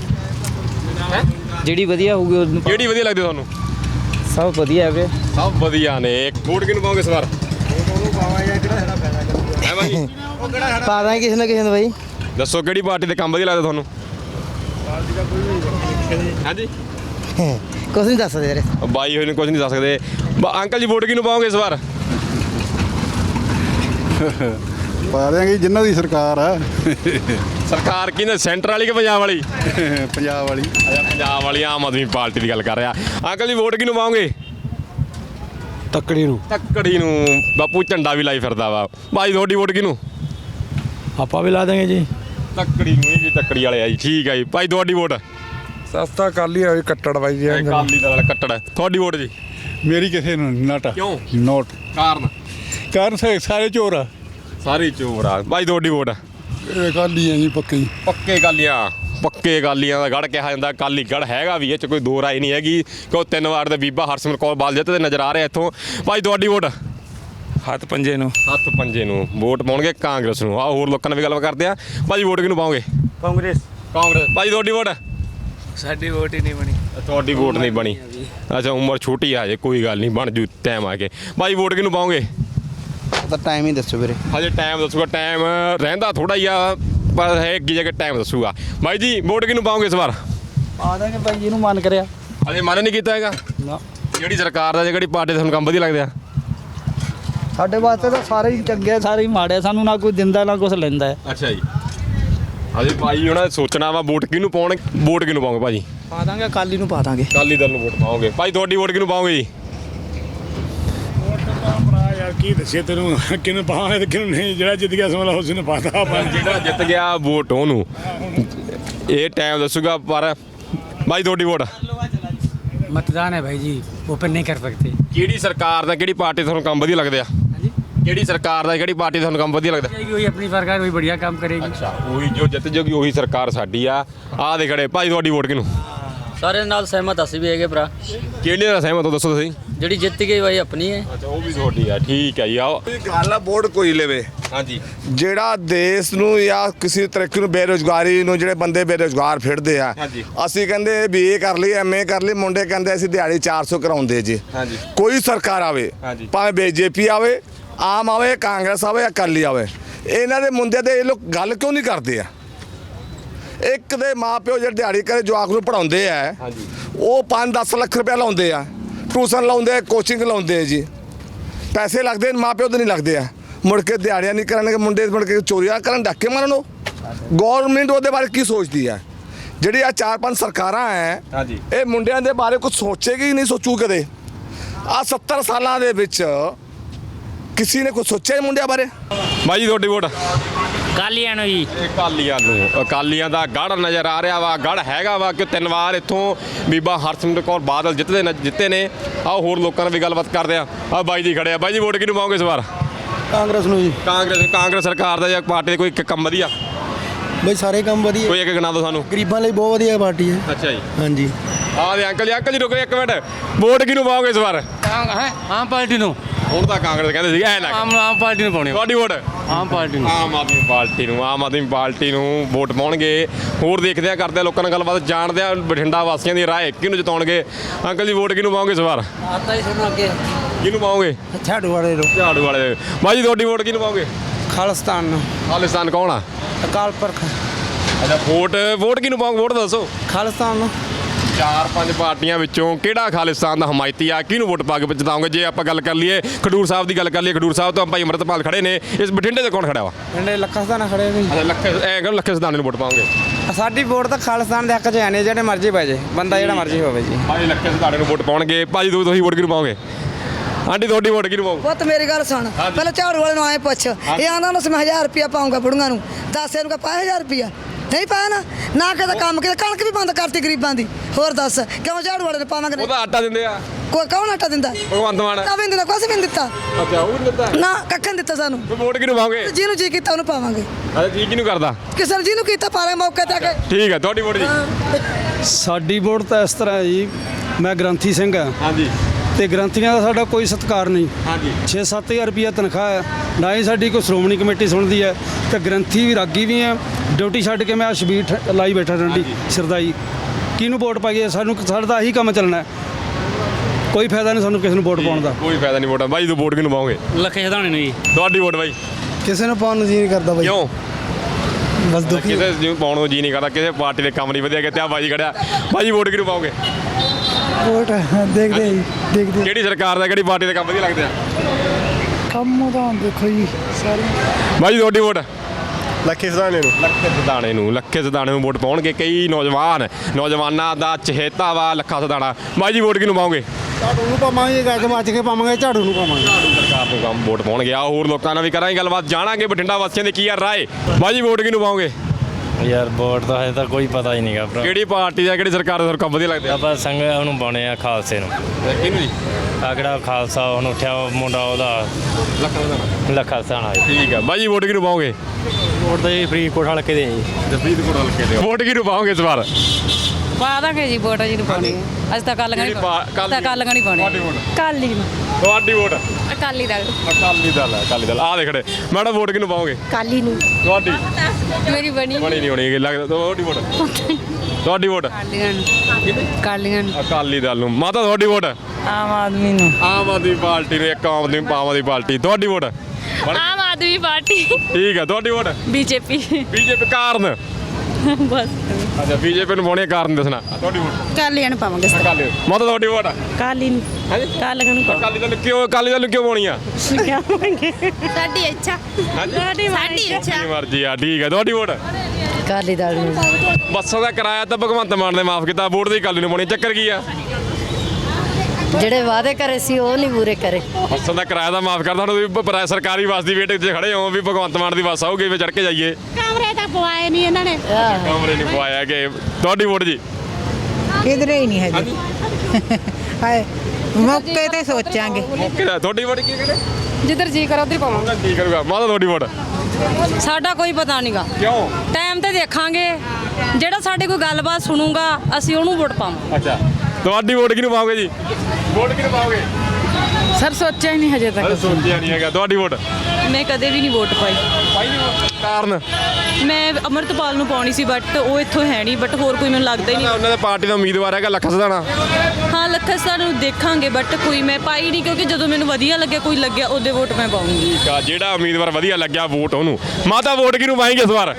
[SPEAKER 5] ਜਿਹੜੀ ਵਧੀਆ ਹੋਊਗੀ ਉਹਨੂੰ ਪਾ-
[SPEAKER 1] ਕਿਹੜੀ ਵਧੀਆ ਲੱਗਦੀ ਤੁਹਾਨੂੰ?
[SPEAKER 5] ਸਭ ਵਧੀਆ ਹੈ।
[SPEAKER 1] ਸਭ ਵਧੀਆ ਨੇ। ਵੋਟ ਕਿਹਨੂੰ ਪਾਓਗੇ ਇਸ ਵਾਰ? ਹੈ ਭਾਈ,
[SPEAKER 5] ਪਾ ਦਾਂਗੇ ਕਿਸੇ ਨਾ ਕਿਸੇ ਨੂੰ ਬਾਈ।
[SPEAKER 1] ਦੱਸੋ ਕਿਹੜੀ ਪਾਰਟੀ ਦੇ ਕੰਮ ਵਧੀਆ ਲੱਗਦਾ ਤੁਹਾਨੂੰ? ਹਾਂਜੀ,
[SPEAKER 5] ਕੁਝ ਨਹੀਂ ਦੱਸ ਸਕਦੇ ਯਾਰ।
[SPEAKER 1] ਉਹ ਬਾਈ ਹੋਏ ਨੂੰ ਕੁਝ ਨਹੀਂ ਦੱਸ ਸਕਦੇ। ਬ- ਅੰਕਲ ਜੀ ਵੋਟ ਕਿਹਨੂੰ ਪਾਓਗੇ ਇਸ ਵਾਰ?
[SPEAKER 6] ਪਾ ਦਿਆਂਗੇ ਜਿਨ੍ਹਾਂ ਦੀ ਸਰਕਾਰ ਆ।
[SPEAKER 1] ਸਰਕਾਰ ਕਿਹਨੇ, ਸੈਂਟਰ ਵਾਲੀ ਕਿ ਪੰਜਾਬ ਵਾਲੀ?
[SPEAKER 6] ਪੰਜਾਬ ਵਾਲੀ।
[SPEAKER 1] ਅੱਛਾ, ਪੰਜਾਬ ਵਾਲੀ ਆਮ ਆਦਮੀ ਪਾਰਟੀ ਦੀ ਗੱਲ ਕਰ ਰਿਹਾ। ਅੰਕਲ ਜੀ ਵੋਟ ਕਿਹਨੂੰ ਪਾਓਗੇ?
[SPEAKER 2] ਤੱਕੜੀ ਨੂੰ।
[SPEAKER 1] ਤੱਕੜੀ ਨੂੰ। ਬਾਪੂ ਝੰਡਾ ਵੀ ਲਾਈ ਫਿਰਦਾ ਵਾ। ਭਾਈ ਤੁਹਾਡੀ ਵੋਟ ਕਿਹਨੂੰ?
[SPEAKER 7] ਆਪਾਂ ਵੀ ਲਾ ਦਾਂਗੇ ਜੀ।
[SPEAKER 1] ਤੱਕੜੀ ਨੂੰ। ਇਹ ਵੀ ਤੱਕੜੀ ਵਾਲੇ ਆ ਜੀ। ਠੀਕ ਆ ਜੀ। ਭਾਈ ਤੁਹਾਡੀ ਵੋਟ?
[SPEAKER 6] ਸਸਤਾ ਕਾਲੀ ਆ ਕੱਟੜ ਬਾਈ ਜੀ।
[SPEAKER 1] ਅਕਾਲੀ ਦਲ ਕੱਟੜ। ਤੁਹਾਡੀ ਵੋਟ ਜੀ?
[SPEAKER 6] ਮੇਰੀ ਕਿਸੇ ਨੂੰ ਨਟ
[SPEAKER 1] ਕਿਉਂ?
[SPEAKER 6] ਨੋਟ
[SPEAKER 1] ਕਾਰਨ?
[SPEAKER 6] ਕਾਰਨ ਸਾਰੇ ਸਾਰੇ ਚੋਰ ਆ।
[SPEAKER 1] ਸਾਰੇ ਚੋਰ ਆ। ਭਾਈ ਤੁਹਾਡੀ ਵੋਟ?
[SPEAKER 6] ਇਹ ਕਾਲੀ ਆ ਜੀ ਪੱਕੀ।
[SPEAKER 1] ਪੱਕੇ ਅਕਾਲੀਆਂ। ਪੱਕੇ ਅਕਾਲੀਆਂ ਦਾ ਗੜ੍ਹ ਕਿਹਾ ਜਾਂਦਾ। ਅਕਾਲੀ ਗੜ੍ਹ ਹੈਗਾ ਵੀ, ਇਹ 'ਚ ਕੋਈ ਦੋ ਰਾਏ ਨਹੀਂ ਹੈਗੀ। ਕਿਉਂ ਤਿੰਨ ਵਾਰ ਦੇ ਬੀਬਾ ਹਰਸਿਮਰਤ ਕੌਰ ਬਾਦਲ ਜਿੱਤਦੇ ਨਜ਼ਰ ਆ ਰਿਹਾ ਇੱਥੋਂ। ਭਾਈ ਤੁਹਾਡੀ ਵੋਟ?
[SPEAKER 10] ਹੱਥ ਪੰਜੇ ਨੂੰ
[SPEAKER 1] ਹੱਥ ਪੰਜੇ ਨੂੰ ਵੋਟ ਪਾਉਣਗੇ ਕਾਂਗਰਸ ਨੂੰ। ਆ ਹੋਰ ਲੋਕਾਂ ਨਾਲ ਵੀ ਗੱਲਬਾਤ ਕਰਦੇ ਆ। ਭਾਜੀ ਵੋਟ ਕਿਹਨੂੰ ਪਾਓਗੇ?
[SPEAKER 8] ਕਾਂਗਰਸ।
[SPEAKER 1] ਕਾਂਗਰਸ। ਭਾਜੀ ਤੁਹਾਡੀ ਵੋਟ?
[SPEAKER 7] ਸਾਡੀ ਵੋਟ ਹੀ ਨਹੀਂ ਬਣੀ।
[SPEAKER 1] ਤੁਹਾਡੀ ਵੋਟ ਨਹੀਂ ਬਣੀ? ਅੱਛਾ, ਉਮਰ ਛੋਟੀ ਆ ਜੇ, ਕੋਈ ਗੱਲ ਨਹੀਂ, ਬਣ ਜੂ ਟਾਈਮ ਆ ਕੇ। ਭਾਜੀ ਵੋਟ ਕਿਹਨੂੰ ਪਾਓਗੇ?
[SPEAKER 5] ਤਾਂ ਟਾਈਮ ਹੀ ਦੱਸੋ ਵੀਰੇ।
[SPEAKER 1] ਹਜੇ ਟਾਈਮ ਦੱਸੂਗਾ, ਟਾਈਮ ਰਹਿੰਦਾ ਥੋੜਾ ਹੀ ਆ, ਪਰ ਹੈ ਅੱਗੇ ਜਾ ਕੇ ਟਾਈਮ ਦੱਸੂਗਾ। ਭਾਈ ਜੀ ਵੋਟ ਕਿਹਨੂੰ ਪਾਓਗੇ ਇਸ ਵਾਰ?
[SPEAKER 5] ਪਾ ਦਾਂਗੇ ਭਾਈ ਜਿਹਨੂੰ ਮਨ ਕਰਿਆ।
[SPEAKER 1] ਹਜੇ ਮਨ ਨਹੀਂ ਕੀਤਾ ਹੈਗਾ?
[SPEAKER 5] ਨਾ,
[SPEAKER 1] ਜਿਹੜੀ ਸਰਕਾਰ ਦਾ, ਜਿਹੜੀ ਪਾਰਟੀ ਦਾ ਤੁਹਾਨੂੰ ਕੰਮ ਵਧੀਆ ਲੱਗਦੇ ਆ?
[SPEAKER 5] ਸਾਡੇ ਵਾਸਤੇ ਤਾਂ ਸਾਰੇ ਹੀ ਚੰਗੇ, ਸਾਰੇ ਹੀ ਮਾੜੇ। ਸਾਨੂੰ ਨਾ ਕੋਈ ਦਿੰਦਾ ਨਾ ਕੁਝ ਲੈਂਦਾ ਹੈ।
[SPEAKER 1] ਅੱਛਾ ਜੀ। ਹਜੇ ਭਾਈ ਉਹਨਾਂ ਨੇ ਸੋਚਣਾ ਵਾ ਵੋਟ ਕਿਹਨੂੰ ਪਾਉਣ, ਵੋਟ ਕਿਹਨੂੰ ਪਾਓਗੇ ਭਾਜੀ?
[SPEAKER 5] ਪਾ ਦਾਂਗੇ ਅਕਾਲੀ ਨੂੰ, ਪਾ ਦਾਂਗੇ
[SPEAKER 1] ਅਕਾਲੀ ਦਲ ਨੂੰ ਵੋਟ ਪਾਓਗੇ। ਭਾਈ ਤੁਹਾਡੀ ਵੋਟ ਕਿਹਨੂੰ ਪਾਓਗੇ ਜੀ?
[SPEAKER 6] ਯਾਰ ਕੀ ਦੱਸੇ ਤੈਨੂੰ ਕਿਹਨੂੰ ਪਾਵਾਂਗੇ ਤੇ ਕਿਹਨੂੰ ਨਹੀਂ। ਜਿਹੜਾ ਜਿੱਤ ਗਿਆ ਸਮਝ ਲਾ ਉਸ ਨੂੰ ਪਾਤਾ ਆਪਾਂ।
[SPEAKER 1] ਜਿਹੜਾ ਜਿੱਤ ਗਿਆ ਵੋਟ ਉਹਨੂੰ, ਇਹ ਟਾਈਮ ਦੱਸੂਗਾ। ਪਰ ਭਾਈ ਤੁਹਾਡੀ ਵੋਟ?
[SPEAKER 7] मतदान है भाई जी, ओपन नहीं कर सकते।
[SPEAKER 1] ਕਿਹੜੀ ਸਰਕਾਰ ਦਾ, ਕਿਹੜੀ ਪਾਰਟੀ ਦਾ ਤੁਹਾਨੂੰ ਕੰਮ ਵਧੀਆ ਲੱਗਦੇ ਆ? ਕਿਹੜੀ ਸਰਕਾਰ ਦਾ, ਕਿਹੜੀ ਪਾਰਟੀ ਦਾ ਤੁਹਾਨੂੰ ਕੰਮ ਵਧੀਆ ਲੱਗਦਾ?
[SPEAKER 7] वही अपनी सरकार वही बढ़िया काम करेगी।
[SPEAKER 1] ਅੱਛਾ, ਉਹੀ ਜੋ ਜਿੱਤ ਜਾਊਗੀ ਉਹੀ ਸਰਕਾਰ ਸਾਡੀ ਆ। ਆਹ ਦੇ ਖੜੇ। ਭਾਈ ਤੁਹਾਡੀ ਵੋਟ ਕਿਹਨੂੰ?
[SPEAKER 3] ਸਾਰੇ ਨਾਲ ਸਹਿਮਤ ਅਸੀਂ ਵੀ ਹੈਗੇ ਭਰਾ।
[SPEAKER 1] ਕਿਹੜੀ ਨਾਲ ਸਹਿਮਤ ਹੋ ਦੱਸੋ ਤੁਸੀਂ?
[SPEAKER 3] ਜਿਹੜੀ ਜਿੱਤ ਗਈ ਬਾਈ ਆਪਣੀ ਹੈ।
[SPEAKER 1] ਅੱਛਾ, ਉਹ ਵੀ ਤੁਹਾਡੀ ਆ। ਠੀਕ ਹੈ ਜੀ। ਆਓ।
[SPEAKER 4] ਗੱਲ ਆ ਵੋਟ ਕੋਈ ਲਵੇ,
[SPEAKER 1] ਹਾਂਜੀ।
[SPEAKER 4] ਜਿਹੜਾ ਦੇਸ਼ ਨੂੰ ਜਾਂ ਕਿਸੇ ਤਰੀਕੇ ਨੂੰ ਬੇਰੁਜ਼ਗਾਰੀ ਨੂੰ, ਜਿਹੜੇ ਬੰਦੇ ਬੇਰੁਜ਼ਗਾਰ ਫਿਰਦੇ ਆ,
[SPEAKER 1] ਹਾਂਜੀ।
[SPEAKER 4] ਅਸੀਂ ਕਹਿੰਦੇ ਬੀ ਏ ਕਰ ਲਈ, ਐਮ ਏ ਕਰ ਲਈ, ਮੁੰਡੇ ਕਹਿੰਦੇ ਅਸੀਂ ਦਿਹਾੜੀ ਚਾਰ ਸੌ ਕਰਾਉਂਦੇ ਜੀ।
[SPEAKER 1] ਹਾਂਜੀ।
[SPEAKER 4] ਕੋਈ ਸਰਕਾਰ ਆਵੇ,
[SPEAKER 1] ਹਾਂਜੀ।
[SPEAKER 4] ਭਾਵੇਂ ਬੀਜੇਪੀ ਆਵੇ, ਆਮ ਆਵੇ, ਕਾਂਗਰਸ ਆਵੇ, ਅਕਾਲੀ ਆਵੇ, ਇਹਨਾਂ ਦੇ ਮੁੰਡੇ ਤੇ ਇਹ ਲੋਕ ਗੱਲ ਕਿਉਂ ਨਹੀਂ ਕਰਦੇ ਆ? ਇੱਕ ਦੇ ਮਾਪਿਓ ਜਿਹੜੇ ਦਿਹਾੜੀ ਕਰੇ ਜਵਾਕ ਨੂੰ ਪੜਾਉਂਦੇ ਆ,
[SPEAKER 1] ਹਾਂਜੀ।
[SPEAKER 4] ਉਹ ਪੰਜ ਦਸ ਲੱਖ ਰੁਪਇਆ ਲਾਉਂਦੇ ਆ, ਟਿਊਸ਼ਨ ਲਾਉਂਦੇ, ਕੋਚਿੰਗ ਲਾਉਂਦੇ ਆ ਜੀ। ਪੈਸੇ ਲੱਗਦੇ ਨੇ, ਮਾਪਿਓ ਦੇ ਨਹੀਂ ਲੱਗਦੇ ਆ। ਮੁੜ ਕੇ ਦਿਹਾੜੀਆਂ ਨਹੀਂ ਕਰਨਗੇ ਮੁੰਡੇ, ਮੁੜ ਕੇ ਚੋਰੀਆਂ ਕਰਨ, ਡਾਕੇ ਮਾਰਨ। ਉਹ ਗੌਰਮੈਂਟ ਉਹਦੇ ਬਾਰੇ ਕੀ ਸੋਚਦੀ ਹੈ? ਜਿਹੜੀ ਆ ਚਾਰ ਪੰਜ ਸਰਕਾਰਾਂ ਹੈ,
[SPEAKER 1] ਹਾਂਜੀ।
[SPEAKER 4] ਇਹ ਮੁੰਡਿਆਂ ਦੇ ਬਾਰੇ ਕੁਝ ਸੋਚੇਗੀ ਨਹੀਂ, ਸੋਚੂ ਕਦੇ? ਆ ਸੱਤਰ ਸਾਲਾਂ ਦੇ ਵਿੱਚ ਕਿਸੇ ਨੇ ਕੁਝ ਸੋਚਿਆ ਮੁੰਡਿਆਂ ਬਾਰੇ?
[SPEAKER 1] ਭਾਈ ਜੀ ਤੁਹਾਡੀ ਵੋਟ?
[SPEAKER 7] कालियां जी।
[SPEAKER 1] ਅਕਾਲੀਆਂ ਨੂੰ। ਅਕਾਲੀਆਂ ਦਾ ਗੜ੍ਹ ਨਜ਼ਰ ਆ ਰਿਹਾ ਵਾ। ਗੜ੍ਹ ਹੈਗਾ ਵਾ ਕਿ ਤਿੰਨ ਵਾਰ ਇੱਥੋਂ ਬੀਬਾ ਹਰਸਿਮਰਤ ਕੌਰ ਬਾਦਲ ਜਿੱਤਦੇ ਨੇ, ਜਿੱਤੇ ਨੇ। ਆਹ ਹੋਰ ਲੋਕਾਂ ਨਾਲ ਵੀ ਗੱਲਬਾਤ ਕਰਦੇ ਆ। ਆ ਬਾਈ ਜੀ ਖੜੇ ਆ। ਬਾਈ ਜੀ ਵੋਟ ਕਿਹਨੂੰ ਪਾਓਗੇ ਇਸ ਵਾਰ?
[SPEAKER 5] ਕਾਂਗਰਸ ਨੂੰ ਜੀ।
[SPEAKER 1] ਕਾਂਗਰਸ। ਕਾਂਗਰਸ ਸਰਕਾਰ ਦਾ ਜਾਂ ਪਾਰਟੀ ਦਾ ਕੋਈ ਇੱਕ ਕੰਮ ਵਧੀਆ?
[SPEAKER 5] ਬਈ ਸਾਰੇ ਕੰਮ ਵਧੀਆ,
[SPEAKER 1] ਕੋਈ ਇੱਕ ਗਿਣਾ ਦਿਓ ਸਾਨੂੰ।
[SPEAKER 5] ਗਰੀਬਾਂ ਲਈ ਬਹੁਤ ਵਧੀਆ ਪਾਰਟੀ ਹੈ।
[SPEAKER 1] ਅੱਛਾ ਜੀ।
[SPEAKER 5] ਹਾਂਜੀ।
[SPEAKER 1] ਆਹ ਦੇ ਅੰਕਲ ਜੀ, ਅੰਕਲ ਜੀ ਰੁਕੋ ਇੱਕ ਮਿੰਟ। ਵੋਟ ਕਿਹਨੂੰ ਪਾਓਗੇ ਇਸ ਵਾਰ?
[SPEAKER 7] आम पार्टी नु।
[SPEAKER 1] ਹੁਣ ਤਾਂ ਕਾਂਗਰਸ ਕਹਿੰਦੇ ਸੀ, ਐ ਨਾ।
[SPEAKER 7] आम आम पार्टी नु पाਉਣੀ।
[SPEAKER 1] ਤੁਹਾਡੀ ਵੋਟ?
[SPEAKER 7] आम पार्टी नु।
[SPEAKER 1] ਆਮ ਆਦਮੀ ਪਾਰਟੀ ਨੂੰ। ਆਮ ਆਦਮੀ ਪਾਰਟੀ ਨੂੰ ਵੋਟ ਪਾਉਣਗੇ। ਹੋਰ ਦੇਖਦੇ ਆ, ਕਰਦੇ ਆ ਲੋਕਾਂ ਨਾਲ ਗੱਲਬਾਤ, ਜਾਣਦੇ ਆ ਬਠਿੰਡਾ ਵਾਸੀਆਂ ਦੀ ਰਾਏ ਕਿਹਨੂੰ ਜਿਤਾਉਣਗੇ। ਅੰਕਲ ਜੀ ਵੋਟ ਕਿਹਨੂੰ ਪਾਓਗੇ ਇਸ ਵਾਰ?
[SPEAKER 3] ਆਤਾ ਹੀ ਸੁਣੋ ਅੱਗੇ।
[SPEAKER 1] ਕਿਹਨੂੰ ਪਾਓਗੇ?
[SPEAKER 5] ਝਾੜੂ ਵਾਲੇ ਨੂੰ।
[SPEAKER 1] ਝਾੜੂ ਵਾਲੇ। ਬਾਈ ਜੀ ਤੁਹਾਡੀ ਵੋਟ ਕਿਹਨੂੰ ਪਾਓਗੇ?
[SPEAKER 5] ਖਾਲਿਸਤਾਨ ਨੂੰ।
[SPEAKER 1] ਖਾਲਿਸਤਾਨ ਕੌਣ ਆ?
[SPEAKER 5] ਅਕਾਲ ਪੁਰਖ।
[SPEAKER 1] ਅੱਛਾ, ਵੋਟ ਵੋਟ ਕਿਹਨੂੰ ਪਾਓਗੇ? ਵੋਟ ਦੱਸੋ।
[SPEAKER 5] ਖਾਲਿਸਤਾਨ ਨੂੰ।
[SPEAKER 1] ਚਾਰ ਪੰਜ ਪਾਰਟੀਆਂ ਵਿੱਚੋਂ ਕਿਹੜਾ ਖਾਲਿਸਤਾਨ ਦਾ ਹਮਾਇਤੀ ਆ? ਕਿਹਨੂੰ ਵੋਟ ਪਾ ਕੇ ਜਿਤਾਓਗੇ? ਜੇ ਆਪਾਂ ਗੱਲ ਕਰ ਲਈਏ ਖਡੂਰ ਸਾਹਿਬ ਦੀ ਗੱਲ ਕਰ ਲਈਏ, ਖਡੂਰ ਸਾਹਿਬ ਤੋਂ ਭਾਈ ਅੰਮ੍ਰਿਤਪਾਲ ਖੜੇ ਨੇ। ਇਸ ਬਠਿੰਡੇ ਤੇ ਕੌਣ ਖੜਾ ਵਾ?
[SPEAKER 5] ਪਿੰਡੇ ਲੱਖਾ ਸਦਾਨਾ ਖੜੇ ਨੇ।
[SPEAKER 1] ਅੱਛਾ, ਲੱਖੇ ਐ ਕਹਿੰਦੇ ਲੱਖੇ ਸਿਧਾਣੇ ਨੂੰ ਵੋਟ ਪਾਓਗੇ?
[SPEAKER 5] ਸਾਡੀ ਵੋਟ ਤਾਂ ਖਾਲਿਸਤਾਨ ਦੇ ਹੱਕ 'ਚ ਹੈ ਨਹੀਂ, ਜਿਹੜੇ ਮਰਜ਼ੀ ਪੈ ਜੇ ਬੰਦਾ, ਜਿਹੜਾ ਮਰਜ਼ੀ ਹੋਵੇ ਜੀ।
[SPEAKER 1] ਭਾਈ ਲੱਖੇ ਸਿਧਾਣੇ ਨੂੰ ਵੋਟ ਪਾਉਣਗੇ। ਭਾਜੀ ਤੁਸੀਂ ਵੋਟ ਕਿਹਨੂੰ ਪਾਓਗੇ? ਆਂਟੀ ਤੁਹਾਡੀ ਵੋਟ ਕਿਹਨੂੰ ਪਾਓਗੇ?
[SPEAKER 11] ਪੁੱਤ ਮੇਰੀ ਗੱਲ ਸੁਣ, ਪਹਿਲਾਂ ਝਾੜੂ ਵਾਲੇ ਨੂੰ ਆਏ ਪੁੱਛ। ਇਹ ਆਂਦਾ ਨਾ ਮੈਂ ਹਜ਼ਾਰ ਰੁਪਇਆ ਪਾਉਂਗਾ ਬੁੜੀਆਂ ਨੂੰ। ਦੱਸ ਇਹਨੂੰ ਕਹ ਪਾ ਹਜ਼ਾਰ ਰੁਪਇਆ। ਨਹੀਂ ਪਾਇਆ ਨਾ, ਨਾ ਕਿਤੇ ਕੰਮ ਕਿਤੇ ਕਣਕ ਵੀ ਬੰਦ ਕਰਤੀ ਗਰੀਬਾਂ ਦੀ। ਹੋਰ ਦੱਸ ਕਿਉਂ ਝਾੜੂ ਵਾਲੇ ਨੂੰ ਪਾਵਾਂਗੇ?
[SPEAKER 1] ਉਹਦਾ ਆਟਾ ਦਿੰਦੇ ਆ।
[SPEAKER 11] ਕੋਈ ਕੌਣ ਆਟਾ ਦਿੰਦਾ?
[SPEAKER 1] ਭਗਵੰਤ ਮਾਨ।
[SPEAKER 11] ਤਾਂ ਵੀ ਨਹੀਂ ਦਿੰਦਾ, ਕੁਛ ਵੀ ਨਹੀਂ ਦਿੱਤਾ।
[SPEAKER 1] ਅੱਛਾ, ਉਹ ਨਹੀਂ ਦਿੰਦਾ
[SPEAKER 11] ਨਾ ਕੱਖ ਨਹੀਂ ਦਿੱਤਾ ਸਾਨੂੰ।
[SPEAKER 1] ਵੋਟ ਕਿਹਨੂੰ ਪਾਓਗੇ?
[SPEAKER 11] ਜਿਹਨੂੰ ਜੀ ਕੀਤਾ ਉਹਨੂੰ ਪਾਵਾਂਗੇ।
[SPEAKER 1] ਅੱਛਾ, ਜੀ ਕਿਹਨੂੰ ਕਰਦਾ?
[SPEAKER 11] ਕਿਸੇ ਨੂੰ ਜਿਹਨੂੰ ਕੀਤਾ ਪਾ ਲੈ ਮੌਕੇ ਤੇ ਆ ਕੇ।
[SPEAKER 1] ਠੀਕ ਹੈ, ਤੁਹਾਡੀ ਵੋਟ ਜੀ?
[SPEAKER 2] ਸਾਡੀ ਵੋਟ ਤਾਂ ਇਸ ਤਰ੍ਹਾਂ ਹੈ ਜੀ, ਮੈਂ ਗ੍ਰੰਥੀ ਸਿੰਘ ਹਾਂ
[SPEAKER 1] ਹਾਂਜੀ।
[SPEAKER 2] ਤੇ ਗ੍ਰੰਥੀਆਂ ਦਾ ਸਾਡਾ ਕੋਈ ਸਤਿਕਾਰ ਨਹੀਂ।
[SPEAKER 1] ਹਾਂਜੀ।
[SPEAKER 2] ਛੇ ਸੱਤ ਹਜ਼ਾਰ ਰੁਪਈਆ ਤਨਖਾਹ ਹੈ, ਨਾ ਹੀ ਸਾਡੀ ਕੋਈ ਸ਼੍ਰੋਮਣੀ ਕਮੇਟੀ ਸੁਣਦੀ ਹੈ। ਤੇ ਗ੍ਰੰਥੀ ਵੀ ਰਾਗੀ ਵੀ ਹੈ। ਡਿਊਟੀ ਛੱਡ ਕੇ ਮੈਂ ਆ ਸ਼ਬੀਰ ਠ- ਲਾਈ ਬੈਠਾ ਠੰਡੀ ਸਿਰਦਾਈ। ਕਿਹਨੂੰ ਵੋਟ ਪਾਈਏ? ਸਾਨੂੰ ਸਾਡਾ ਤਾਂ ਆਹੀ ਕੰਮ ਚੱਲਣਾ ਹੈ। ਕੋਈ ਫਾਇਦਾ ਨਹੀਂ ਸਾਨੂੰ ਕਿਸੇ ਨੂੰ ਵੋਟ ਪਾਉਣ ਦਾ।
[SPEAKER 1] ਕੋਈ ਫਾਇਦਾ ਨਹੀਂ ਵੋਟਾਂ। ਬਾਈ ਤੂੰ ਵੋਟ ਕਿਹਨੂੰ ਪਾਓਗੇ?
[SPEAKER 7] ਲੱਖੇ ਸਦਾਣੇ ਨੂੰ ਜੀ।
[SPEAKER 1] ਤੁਹਾਡੀ ਵੋਟ ਬਾਈ?
[SPEAKER 5] ਕਿਸੇ ਨੂੰ ਪਾਉਣ ਨੂੰ ਜੀ ਨਹੀਂ ਕਰਦਾ ਬਾਈ।
[SPEAKER 1] ਕਿਉਂ?
[SPEAKER 5] ਬਸ ਦੁਖੀ।
[SPEAKER 1] ਕਿਸੇ ਨੂੰ ਪਾਉਣ ਨੂੰ ਜੀ ਨਹੀਂ ਕਰਦਾ, ਕਿਸੇ ਪਾਰਟੀ ਦੇ ਕੰਮ ਨਹੀਂ ਵਧੀਆ ਕੀਤੇ। ਆ ਬਾਈ ਖੜਿਆ। ਬਾਈ ਵੋਟ ਕਿਹਨੂੰ ਪਾਓਗੇ?
[SPEAKER 5] ਵੋਟ ਦੇਖਦੇ ਜੀ, ਦੇਖਦੇ
[SPEAKER 1] ਕਿਹੜੀ ਸਰਕਾਰ ਦਾ, ਕਿਹੜੀ ਪਾਰਟੀ ਦੇ ਕੰਮ ਵਧੀਆ ਲੱਗਦੇ ਆ?
[SPEAKER 5] ਕੰਮ ਤਾਂ ਦੇਖੋ ਜੀ ਸਾਰੇ।
[SPEAKER 1] ਬਾਈ ਤੁਹਾਡੀ ਵੋਟ?
[SPEAKER 4] ਲੱਖੇ ਸਦਾਨੇ ਨੂੰ।
[SPEAKER 1] ਲੱਖੇ ਸਿਧਾਣੇ ਨੂੰ। ਲੱਖੇ ਸਿਧਾਣੇ ਨੂੰ ਵੋਟ ਪਾਉਣਗੇ ਕਈ ਨੌਜਵਾਨ। ਨੌਜਵਾਨਾਂ ਦਾ ਚਹੇਤਾ ਵਾ ਲੱਖਾ ਸਿਧਾਣਾ। ਬਾਈ ਜੀ ਵੋਟ ਕਿਹਨੂੰ ਪਾਓਗੇ?
[SPEAKER 5] ਝਾੜੂ ਨੂੰ ਪਾਵਾਂਗੇ, ਗੱਜ ਮੱਚ ਕੇ ਪਾਵਾਂਗੇ, ਝਾੜੂ ਨੂੰ ਪਾਵਾਂਗੇ।
[SPEAKER 1] ਸਰਕਾਰ ਨੂੰ ਕੰਮ ਵੋਟ ਪਾਉਣਗੇ। ਆ ਹੋਰ ਲੋਕਾਂ ਨਾਲ ਵੀ ਕਰਾਂਗੇ ਗੱਲਬਾਤ, ਜਾਣਾਂਗੇ ਬਠਿੰਡਾ ਵਾਸੀਆਂ ਦੀ ਕੀ ਆ ਰਾਏ। ਬਾਈ ਜੀ ਵੋਟ ਕਿਹਨੂੰ ਪਾਓਗੇ?
[SPEAKER 9] ਯਾਰ ਵੋਟ ਦਾ ਹਜੇ ਤਾਂ ਕੋਈ ਪਤਾ ਹੀ ਨਹੀਂਗਾ ਭਰਾ।
[SPEAKER 1] ਕਿਹੜੀ ਪਾਰਟੀ ਦਾ, ਕਿਹੜੀ ਸਰਕਾਰ ਦਾ ਕੰਮ ਵਧੀਆ ਲੱਗਦਾ?
[SPEAKER 9] ਆਪਾਂ ਸੰਗ ਉਹਨੂੰ ਪਾਉਣੇ ਆ ਖਾਲਸੇ ਨੂੰ।
[SPEAKER 1] ਕਿਹਨੂੰ ਜੀ?
[SPEAKER 9] ਆ ਕਿਹੜਾ ਖਾਲਸਾ ਉਹਨੂੰ ਉੱਠਿਆ ਉਹ ਮੁੰਡਾ ਉਹਦਾ
[SPEAKER 1] ਲੱਖਾ ਸਿਧਾਣਾ।
[SPEAKER 9] ਲੱਖਾ ਸਹਾਣਾ।
[SPEAKER 1] ਠੀਕ ਹੈ ਬਾਈ ਜੀ, ਵੋਟ ਕਿਹਨੂੰ ਪਾਓਗੇ?
[SPEAKER 9] ਵੋਟ ਤਾਂ ਜੀ ਫਰੀਦਕੋਟ ਹਲਕੇ ਦੇ ਜੀ।
[SPEAKER 1] ਫਰੀਦਕੋਟ ਹਲਕੇ ਦੇ। ਵੋਟ ਕਿਹਨੂੰ ਪਾਓਗੇ ਇਸ ਵਾਰ?
[SPEAKER 3] ਪਾ ਦਾਂਗੇ ਜੀ ਵੋਟ ਜਿਹਨੂੰ ਪਾਉਣੀ ਹੈ। ਅੱਜ ਤਾਂ ਕੱਲ
[SPEAKER 1] ਕਿਹੜੀ ਪਾ- ਕੱਲ੍ਹ
[SPEAKER 3] ਤਾਂ ਕੱਲ ਨਹੀਂ ਪਾਉਣੀ।
[SPEAKER 1] ਤੁਹਾਡੀ ਵੋਟ?
[SPEAKER 3] ਕੱਲ ਹੀ
[SPEAKER 1] ਤੁਹਾਡੀ ਵੋਟ?
[SPEAKER 10] ਅਕਾਲੀ ਦਲ
[SPEAKER 1] ਅਕਾਲੀ ਦਲ ਹੈ ਅਕਾਲੀ ਦਲ ਆ ਦੇਖੜੇ ਮੈਡਮ ਵੋਟ ਕਿਹਨੂੰ ਪਾਓਗੇ
[SPEAKER 10] ਕਾਲੀ ਨੂੰ
[SPEAKER 1] ਤੁਹਾਡੀ
[SPEAKER 10] ਮੇਰੀ ਬਣੀ
[SPEAKER 1] ਬਣੀ ਨਹੀਂ ਹੋਣੀ ਲੱਗਦਾ ਤੁਹਾਡੀ ਵੋਟ ਤੁਹਾਡੀ ਵੋਟ
[SPEAKER 10] ਕਾਲੀਆਂ ਨੂੰ ਕਾਲੀਆਂ ਨੂੰ
[SPEAKER 1] ਅਕਾਲੀ ਦਲ ਨੂੰ ਮਾਤਾ ਤੁਹਾਡੀ ਵੋਟ
[SPEAKER 5] ਆਮ ਆਦਮੀ ਨੂੰ
[SPEAKER 1] ਆਮ ਆਦਮੀ ਪਾਰਟੀ ਨੂੰ ਇੱਕ ਆਮ ਆਦਮੀ ਆਮ ਆਦਮੀ ਪਾਰਟੀ ਤੁਹਾਡੀ ਵੋਟ
[SPEAKER 10] ਆਮ ਆਦਮੀ ਪਾਰਟੀ
[SPEAKER 1] ਠੀਕ ਹੈ ਤੁਹਾਡੀ ਵੋਟ
[SPEAKER 10] ਬੀਜੇਪੀ
[SPEAKER 1] ਬੀਜੇਪੀ ਕਾਰਨ
[SPEAKER 10] ਬਸ
[SPEAKER 1] ਅੱਛਾ ਬੀਜੇਪੀ ਨੂੰ ਪਾਉਣੇ ਕਾਰਨ ਦੱਸਣਾ ਤੁਹਾਡੀ ਵੋਟ
[SPEAKER 10] ਕਾਲੀਆਂ ਨੂੰ ਪਾਵਾਂਗੇ
[SPEAKER 1] ਅਕਾਲੀ ਮਾਤਾ ਤੁਹਾਡੀ ਵੋਟ
[SPEAKER 5] ਕਾਲੀ ਨੂੰ
[SPEAKER 1] ਹਾਂਜੀ
[SPEAKER 5] ਕਾਲੀਆਂ ਨੂੰ
[SPEAKER 1] ਅਕਾਲੀ ਦਲ ਕਿਉਂ ਅਕਾਲੀ ਦਲ ਨੂੰ ਕਿਉਂ ਪਾਉਣੀ ਆ
[SPEAKER 10] ਸਾਡੀ ਇੱਛਾ ਸਾਡੀ ਸਾਡੀ ਇੱਛਾ
[SPEAKER 1] ਕੀ ਮਰਜ਼ੀ ਆ ਠੀਕ ਹੈ ਤੁਹਾਡੀ ਵੋਟ
[SPEAKER 5] ਕਾਲੀ ਦਲ ਨੂੰ
[SPEAKER 1] ਬੱਸਾਂ ਦਾ ਕਿਰਾਇਆ ਤਾਂ ਭਗਵੰਤ ਮਾਨ ਨੇ ਮਾਫ ਕੀਤਾ ਵੋਟ ਦੀ ਅਕਾਲੀ ਨੂੰ ਪਾਉਣੀ ਚੱਕਰ ਕੀ ਆ
[SPEAKER 5] ਜਿਹੜੇ ਵਾਅਦੇ ਕਰੇ ਸੀ ਉਹ ਨਹੀਂ ਪੂਰੇ ਕਰੇ
[SPEAKER 1] ਬੱਸਾਂ ਦਾ ਕਿਰਾਇਆ ਤਾਂ ਮਾਫ ਕਰਦਾ ਹੁਣ ਤੁਸੀਂ ਪ੍ਰਾਇ ਸਰਕਾਰੀ ਬੱਸ ਦੀ ਵੇਟ 'ਚ ਖੜੇ ਹੋ ਵੀ ਭਗਵੰਤ ਮਾਨ ਦੀ ਬੱਸ ਆਊਗੀ ਵੀ ਚੜ ਕੇ ਜਾਈਏ
[SPEAKER 10] ਕਮਰੇ ਤਾਂ ਪਵਾਏ ਨਹੀਂ ਇਹਨਾਂ ਨੇ
[SPEAKER 1] ਕਮਰੇ ਨਹੀਂ ਪਵਾਇਆ ਕਿ ਤੁਹਾਡੀ ਵੋਟ ਜੀ
[SPEAKER 5] ਕਿਧਰੇ ਹੀ ਨਹੀਂ ਹੈ ਹਾਏ ਮੌਕੇ ਤੇ ਸੋਚਾਂਗੇ
[SPEAKER 1] ਮੌਕੇ ਦਾ ਤੁਹਾਡੀ ਵੋਟ ਕੀ ਕਹਿੰਦੇ
[SPEAKER 10] ਜਿੱਧਰ ਜੀ ਕਰੋ ਉਧਰ ਪਾਵਾਂਗੇ
[SPEAKER 1] ਕੀ ਕਰੂਗਾ ਮਾਤਾ ਤੁਹਾਡੀ ਵੋਟ
[SPEAKER 5] ਸਾਡਾ ਕੋਈ ਪਤਾ ਨਹੀਂਗਾ
[SPEAKER 1] ਕਿਉਂ
[SPEAKER 5] ਟਾਈਮ ਤੇ ਦੇਖਾਂਗੇ ਜਿਹੜਾ ਸਾਡੇ ਕੋਈ ਗੱਲਬਾਤ ਸੁਣੂਗਾ ਅਸੀਂ ਉਹਨੂੰ ਵੋਟ ਪਾਵਾਂਗੇ
[SPEAKER 1] ਅੱਛਾ ਤੁਹਾਡੀ ਵੋਟ ਕਿਹਨੂੰ ਪਾਓਗੇ ਜੀ ਵੋਟ ਕਿਹਨੂੰ ਪਾਓਗੇ
[SPEAKER 5] ਸਰ ਸੋਚਿਆ ਹੀ ਨਹੀਂ ਹਜੇ ਤੱਕ
[SPEAKER 1] ਸੋਚਿਆ ਨਹੀਂ ਹੈਗਾ ਤੁਹਾਡੀ ਵੋਟ
[SPEAKER 5] ਮੈਂ ਕਦੇ ਵੀ ਨਹੀਂ ਵੋਟ ਪਾਈ
[SPEAKER 1] ਪਾਈ ਨਹੀਂ ਵੋਟ ਕਾਰਨ
[SPEAKER 5] ਮੈਂ ਅਮਰਤਪਾਲ ਨੂੰ ਪਾਉਣੀ ਸੀ ਬਟ ਉਹ ਇੱਥੋਂ ਹੈ ਨਹੀਂ ਬਟ ਹੋਰ ਕੋਈ ਮੈਨੂੰ ਲੱਗਦਾ ਹੀ ਨਹੀਂ
[SPEAKER 1] ਉਹਨਾਂ ਦੇ ਪਾਰਟੀ ਦਾ ਉਮੀਦਵਾਰ ਹੈਗਾ ਲੱਖਾ ਸਦਾਣਾ
[SPEAKER 5] ਹਾਂ ਲੱਖਾ ਸਰ ਨੂੰ ਦੇਖਾਂਗੇ ਬਟ ਕੋਈ ਮੈਂ ਪਾਈ ਨਹੀਂ ਕਿਉਂਕਿ ਜਦੋਂ ਮੈਨੂੰ ਵਧੀਆ ਲੱਗਿਆ ਕੋਈ ਲੱਗਿਆ ਉਹਦੇ ਵੋਟ ਮੈਂ ਪਾਉਂਗੀ
[SPEAKER 1] ਠੀਕ ਆ ਜਿਹੜਾ ਉਮੀਦਵਾਰ ਵਧੀਆ ਲੱਗਿਆ ਵੋਟ ਉਹਨੂੰ ਮਾਤਾ ਵੋਟ ਕਿਹਨੂੰ ਪਾਏਂਗੇ ਇਸ ਵਾਰ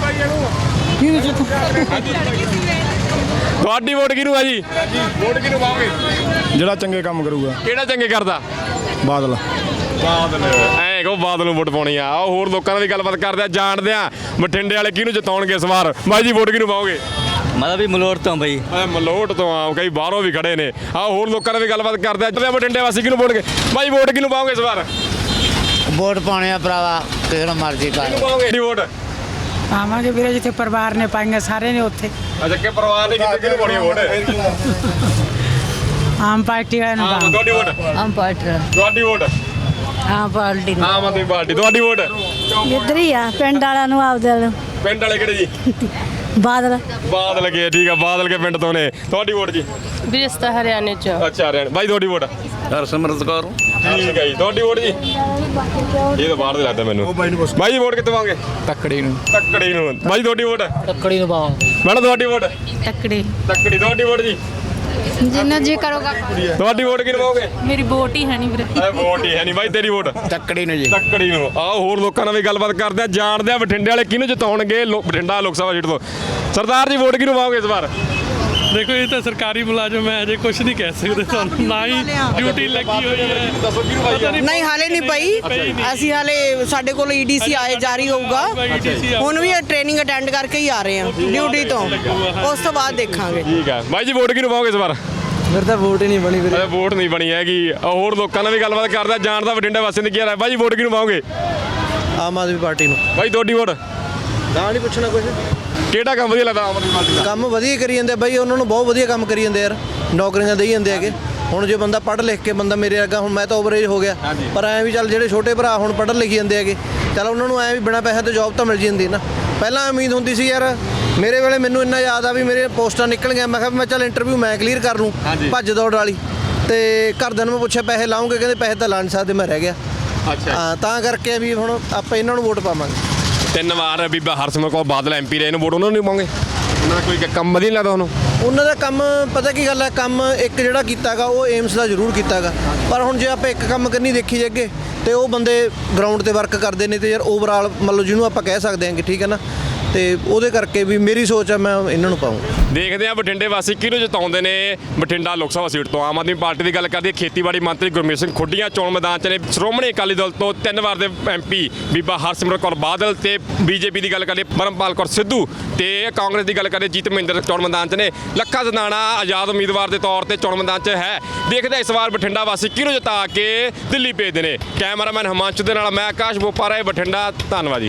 [SPEAKER 1] ਤੁਹਾਡੀ ਵੋਟ ਕਿਹਨੂੰ ਆ ਜੀ ਵੋਟ ਕਿਹਨੂੰ ਪਾਓਗੇ
[SPEAKER 6] ਜਿਹੜਾ ਚੰਗੇ ਕੰਮ ਕਰੂਗਾ
[SPEAKER 1] ਕਿਹੜਾ ਚੰਗੇ ਕਰਦਾ
[SPEAKER 6] ਬਾਦਲ
[SPEAKER 1] ਬਾਦਲ ਐਂ ਕਹੋ ਬਾਦਲ ਨੂੰ ਵੋਟ ਪਾਉਣੀ ਆ ਆਓ ਹੋਰ ਲੋਕਾਂ ਨਾਲ ਵੀ ਗੱਲਬਾਤ ਕਰਦੇ ਆ ਜਾਣਦੇ ਆ ਬਠਿੰਡੇ ਵਾਲੇ ਕਿਹਨੂੰ ਜਿਤਾਉਣਗੇ ਇਸ ਵਾਰ ਬਾਈ ਜੀ ਵੋਟ ਕਿਹਨੂੰ ਪਾਓਗੇ
[SPEAKER 9] ਮੈਂ ਵੀ ਮਲੋਟ ਤੋਂ ਬਈ
[SPEAKER 1] ਐ ਮਲੋਟ ਤੋਂ ਆ ਕਈ ਬਾਹਰੋਂ ਵੀ ਖੜੇ ਨੇ ਆਓ ਹੋਰ ਲੋਕਾਂ ਨਾਲ ਵੀ ਗੱਲਬਾਤ ਕਰਦੇ ਆ ਜਿਹੜੇ ਬਠਿੰਡੇ ਵਾਸੀ ਕਿਹਨੂੰ ਪਾਉਣਗੇ ਬਾਈ ਵੋਟ ਕਿਹਨੂੰ ਪਾਓਗੇ ਇਸ ਵਾਰ
[SPEAKER 5] ਵੋਟ ਪਾਉਣੇ ਆ ਭਰਾਵਾ ਕਿਸੇ ਨੂੰ ਮਰਜ਼ੀ
[SPEAKER 1] ਕਿਹਨੂੰ ਪਾਓਗੇ ਜੀ ਵੋਟ
[SPEAKER 5] ਪਾਵਾਂਗੇ ਵੀਰੇ ਜਿੱਥੇ ਪਰਿਵਾਰ ਨੇ ਪਾਈਆਂ ਸਾਰੇ ਨੇ ਉੱਥੇ
[SPEAKER 1] ਅੱਛਾ ਕਿ ਪਰਿਵਾਰ ਨੇ ਕਿਹਨੂੰ ਕਿਹਨੂੰ ਪਾਉਣੀ ਵੋਟ
[SPEAKER 5] ਆਮ ਪਾਰਟੀ ਵਾਲਿਆਂ ਨੂੰ
[SPEAKER 1] ਹਾਂ
[SPEAKER 5] ਪਾਵਾਂਗੇ
[SPEAKER 1] ਤੁਹਾਡੀ ਵੋਟ
[SPEAKER 5] ਆਮ ਪਾਰਟੀ
[SPEAKER 1] ਤੁਹਾਡੀ ਵੋਟ
[SPEAKER 5] ਆਮ ਪਾਰਟੀ ਨੂੰ
[SPEAKER 1] ਆਮ ਆਦਮੀ ਪਾਰਟੀ ਤੁਹਾਡੀ ਵੋਟ
[SPEAKER 5] ਇੱਧਰ ਹੀ ਆ ਪਿੰਡ ਵਾਲਿਆਂ ਨੂੰ ਆਪਦੇ ਨੂੰ
[SPEAKER 1] ਪਿੰਡ ਵਾਲੇ ਕਿਹੜੇ ਜੀ
[SPEAKER 5] ਬਾਦਲ
[SPEAKER 1] ਬਾਦਲ ਕੇ ਠੀਕ ਆ ਬਾਦਲ ਕੇ ਪਿੰਡ ਤੋਂ ਨੇ ਤੁਹਾਡੀ ਵੋਟ ਜੀ
[SPEAKER 5] ਵਿਰਸਤਾ ਹਰਿਆਣੇ ਚ
[SPEAKER 1] ਅੱਛਾ ਹਰਿਆਣਾ ਬਾਈ ਤੁਹਾਡੀ ਵੋਟ
[SPEAKER 9] ਹਰਸਿਮਰਤ ਕੌਰ
[SPEAKER 1] ਠੀਕ ਹੈ ਜੀ ਤੁਹਾਡੀ ਵੋਟ ਜੀ ਇਹ ਤਾਂ ਬਾਹਰ ਦੇ ਲੱਗਦਾ ਮੈਨੂੰ ਬਾਈ ਜੀ ਵੋਟ ਕਿੱਥੇ ਪਾਓਗੇ
[SPEAKER 9] ਤੱਕੜੀ ਨੂੰ
[SPEAKER 1] ਤੱਕੜੀ ਨੂੰ ਬਾਈ ਤੁਹਾਡੀ ਵੋਟ
[SPEAKER 5] ਤੱਕੜੀ ਨੂੰ ਪਾਵਾਂਗੇ
[SPEAKER 1] ਮੈਡਮ ਤੁਹਾਡੀ ਵੋਟ
[SPEAKER 5] ਤੱਕੜੀ
[SPEAKER 1] ਤੱਕੜੀ ਤੁਹਾਡੀ ਵੋਟ ਜੀ
[SPEAKER 10] ਜਿੰਨਾ ਜੀ ਕਰੋਗਾ
[SPEAKER 1] ਤੁਹਾਡੀ ਵੋਟ ਕਿਹਨੂੰ ਪਾਓਗੇ
[SPEAKER 5] ਮੇਰੀ ਵੋਟ ਹੀ ਹੈ ਨਹੀਂ ਵੀਰੇ
[SPEAKER 1] ਐ ਵੋਟ ਹੀ ਹੈ ਨਹੀਂ ਬਾਈ ਤੇਰੀ ਵੋਟ
[SPEAKER 9] ਤੱਕੜੀ ਨੂੰ ਜੀ
[SPEAKER 1] ਤੱਕੜੀ ਨੂੰ ਆਓ ਹੋਰ ਲੋਕਾਂ ਨਾਲ ਵੀ ਗੱਲਬਾਤ ਕਰਦੇ ਆ ਜਾਣਦੇ ਆ ਬਠਿੰਡੇ ਵਾਲੇ ਕਿਹਨੂੰ ਜਿਤਾਉਣਗੇ ਲੋ- ਬਠਿੰਡਾ ਲੋਕ ਸਭਾ ਸੀਟ ਤੋਂ ਸਰਦਾਰ ਜੀ ਵੋਟ ਕਿਹਨੂੰ ਪਾਓਗੇ ਇਸ ਵਾਰ
[SPEAKER 7] ਦੇਖੋ ਇਹ ਤਾਂ ਸਰਕਾਰੀ ਮੁਲਾਜ਼ਮ ਹੈ ਅਜੇ ਕੁਝ ਨਹੀਂ ਕਹਿ ਸਕਦੇ ਤੁਹਾਨੂੰ ਨਾ ਹੀ ਡਿਊਟੀ ਲੱਗੀ ਹੋਈ ਹੈ
[SPEAKER 1] ਦੱਸੋ ਕਿਹਨੂੰ ਪਾਈ
[SPEAKER 5] ਨਹੀਂ ਹਾਲੇ ਨਹੀਂ ਪਈ ਅਸੀਂ ਹਾਲੇ ਸਾਡੇ ਕੋਲ ਈਡੀਸੀ ਆਏ ਜਾਰੀ ਹੋਊਗਾ ਹੁਣ ਵੀ ਟ੍ਰੇਨਿੰਗ ਅਟੈਂਡ ਕਰਕੇ ਹੀ ਆ ਰਹੇ ਹਾਂ ਡਿਊਟੀ ਤੋਂ ਉਸ ਤੋਂ ਬਾਅਦ ਦੇਖਾਂਗੇ
[SPEAKER 1] ਠੀਕ ਆ ਬਾਈ ਜੀ ਵੋਟ ਕਿਹਨੂੰ ਪਾਓਗੇ ਇਸ ਵਾਰ
[SPEAKER 2] ਫਿਰ ਤਾਂ ਵੋਟ ਹੀ ਨਹੀਂ ਬਣੀ ਵੀਰੇ
[SPEAKER 1] ਅਰੇ ਵੋਟ ਨਹੀਂ ਬਣੀ ਹੈਗੀ ਆਹ ਹੋਰ ਲੋਕਾਂ ਨਾਲ ਵੀ ਗੱਲਬਾਤ ਕਰਦੇ ਆ ਜਾਣਦਾ ਬਠਿੰਡੇ ਵਾਸੀਆਂ ਦੀ ਕੀ ਰਾਏ ਹੈ। ਬਾਈ ਜੀ ਵੋਟ ਕਿਹਨੂੰ ਪਾਓਗੇ
[SPEAKER 2] ਆਮ ਆਦਮੀ ਪਾਰਟੀ ਨੂੰ
[SPEAKER 1] ਬਾਈ ਤੁਹਾਡੀ ਵੋਟ
[SPEAKER 2] ਗਾਂ ਨਹੀਂ ਪੁੱਛਣਾ ਕੁਝ
[SPEAKER 1] ਕਿਹੜਾ ਕੰਮ ਵਧੀਆ ਲੱਗਦਾ ਆਮ ਆਦਮੀ ਪਾਰਟੀ ਦਾ
[SPEAKER 2] ਕੰਮ ਵਧੀਆ ਕਰੀ ਜਾਂਦੇ ਬਾਈ ਉਹਨਾਂ ਨੂੰ ਬਹੁਤ ਵਧੀਆ ਕੰਮ ਕਰੀ ਜਾਂਦੇ ਯਾਰ ਨੌਕਰੀਆਂ ਦੇਈ ਜਾਂਦੇ ਹੈਗੇ ਹੁਣ ਜੇ ਬੰਦਾ ਪੜ੍ਹ ਲਿਖ ਕੇ ਬੰਦਾ ਮੇਰੇ ਵਰਗਾ ਹੁਣ ਮੈਂ ਤਾਂ ਓਵਰਏਜ ਹੋ ਗਿਆ ਪਰ ਐਂ ਵੀ ਚੱਲ ਜਿਹੜੇ ਛੋਟੇ ਭਰਾ ਹੁਣ ਪੜ੍ਹਨ ਲਿਖੀ ਜਾਂਦੇ ਹੈਗੇ ਚੱਲ ਉਹਨਾਂ ਨੂੰ ਐਂ ਵੀ ਬਿਨਾਂ ਪੈਸੇ ਤੋਂ ਜੌਬ ਤਾਂ ਮਿਲ ਜਾਂਦੀ ਨਾ ਪਹਿਲਾਂ ਉਮੀਦ ਹੁੰਦੀ ਸੀ ਯਾਰ ਮੇਰੇ ਵੇਲੇ ਮੈਨੂੰ ਇੰਨਾ ਯਾਦ ਆ ਵੀ ਮੇਰੇ ਪੋਸਟਾਂ ਨਿਕਲ ਗਈਆਂ ਮੈਂ ਕਿਹਾ ਵੀ ਮੈਂ ਚੱਲ ਇੰਟਰਵਿਊ ਮੈਂ ਕਲੀਅਰ ਕਰ ਲੂੰ ਭੱਜ ਦੌੜ ਵਾਲੀ ਤੇ ਘਰਦਿਆਂ ਨੂੰ ਮੈਂ ਪੁੱਛਿਆ ਪੈਸੇ ਲਾਉਂਗੇ ਕਹਿੰਦੇ ਪੈਸੇ ਤਾਂ ਲਾ ਨਹੀਂ ਸਕਦੇ ਮੈਂ ਰਹਿ ਗਿਆ
[SPEAKER 1] ਅੱਛਾ
[SPEAKER 2] ਹਾਂ ਤਾਂ ਕਰਕੇ ਵੀ ਹੁਣ ਆਪਾਂ ਇਹਨਾਂ ਨੂੰ ਵੋਟ ਪਾਵਾਂਗੇ
[SPEAKER 1] ਤਿੰਨ ਵਾਰ ਬੀਬਾ ਹਰਸਿਮਰਤ ਕੌਰ ਬਾਦਲ ਐਮਪੀ ਰਹੇ ਇਹਨੂੰ ਵੋਟ ਉਹਨਾਂ ਨੂੰ ਨਹੀਂ ਪਾਉਂਗੇ ਉਹਨਾਂ ਦਾ ਕੋਈ ਕੰਮ ਵਧੀਆ ਨਹੀਂ ਲੱਗਦਾ ਉਹਨੂੰ
[SPEAKER 2] ਉਹਨਾਂ ਦਾ ਕੰਮ ਪਤਾ ਕੀ ਗੱਲ ਹੈ ਕੰਮ ਇੱਕ ਜਿਹੜਾ ਕੀਤਾਗਾ ਉਹ ਏਮਸ ਦਾ ਜ਼ਰੂਰ ਕੀਤਾਗਾ ਪਰ ਹੁਣ ਜੇ ਆਪਾਂ ਇੱਕ ਕੰਮ ਕਰਨੀ ਦੇਖੀ ਜੇ ਅੱਗੇ ਤੇ ਉਹ ਬੰਦੇ ਗਰਾਊਂਡ ਤੇ ਵਰਕ ਕਰਦੇ ਨੇ ਤੇ ਯਾਰ ਓਵਰਆਲ ਮੰਨ ਲਓ ਜਿਹਨੂੰ ਆਪਾਂ ਕਹਿ ਸਕਦੇ ਹਾਂ ਕਿ ਠੀਕ ਹੈ ਨਾ ਤੇ ਉਹਦੇ ਕਰਕੇ ਵੀ ਮੇਰੀ ਸੋਚ ਆ ਮੈਂ ਇਹਨਾਂ ਨੂੰ ਪਾਊਂ
[SPEAKER 1] ਦੇਖਦੇ ਆ ਬਠਿੰਡੇ ਵਾਸੀ ਕਿਹਨੂੰ ਜਿਤਾਉਂਦੇ ਨੇ ਬਠਿੰਡਾ ਲੋਕ ਸਭਾ ਸੀਟ ਤੋਂ ਆਮ ਆਦਮੀ ਪਾਰਟੀ ਦੀ ਗੱਲ ਕਰਦੇ ਆ ਖੇਤੀਬਾੜੀ ਮੰਤਰੀ ਗੁਰਮੀਤ ਸਿੰਘ ਖੁੱਡੀਆਂ ਚੋਣ ਮੈਦਾਨ 'ਚ ਨੇ ਸ਼੍ਰੋਮਣੀ ਅਕਾਲੀ ਦਲ ਤੋਂ ਤਿੰਨ ਵਾਰ ਦੇ ਐਮਪੀ ਬੀਬਾ ਹਰਸਿਮਰਤ ਕੌਰ ਬਾਦਲ ਤੇ ਬੀਜੇਪੀ ਦੀ ਗੱਲ ਕਰਦੇ ਪਰਮਪਾਲ ਕੌਰ ਸਿੱਧੂ ਤੇ ਕਾਂਗਰਸ ਦੀ ਗੱਲ ਕਰਦੇ ਜੀਤ ਮਹਿੰਦਰ ਚੋਣ ਮੈਦਾਨ 'ਚ ਨੇ ਲੱਖਾ ਸਦਾਣਾ ਆਜ਼ਾਦ ਉਮੀਦਵਾਰ ਦੇ ਤੌਰ ਤੇ ਚੋਣ ਮੈਦਾਨ 'ਚ ਹੈ ਦੇਖਦੇ ਇਸ ਵਾਰ ਬਠਿੰਡਾ ਵਾਸੀ ਕਿਹਨੂੰ ਜਿਤਾ ਕੇ ਦਿੱਲੀ ਭੇਜਦੇ ਨੇ ਕੈਮਰਾਮੈਨ ਹਿਮਾਂਸ਼ੂ ਦੇ ਨਾਲ ਮੈਂ ਆਕਾਸ਼ ਬੋਪਾਰਾ ਬਠਿੰਡਾ ਧੰਨਵਾਦ ਜੀ।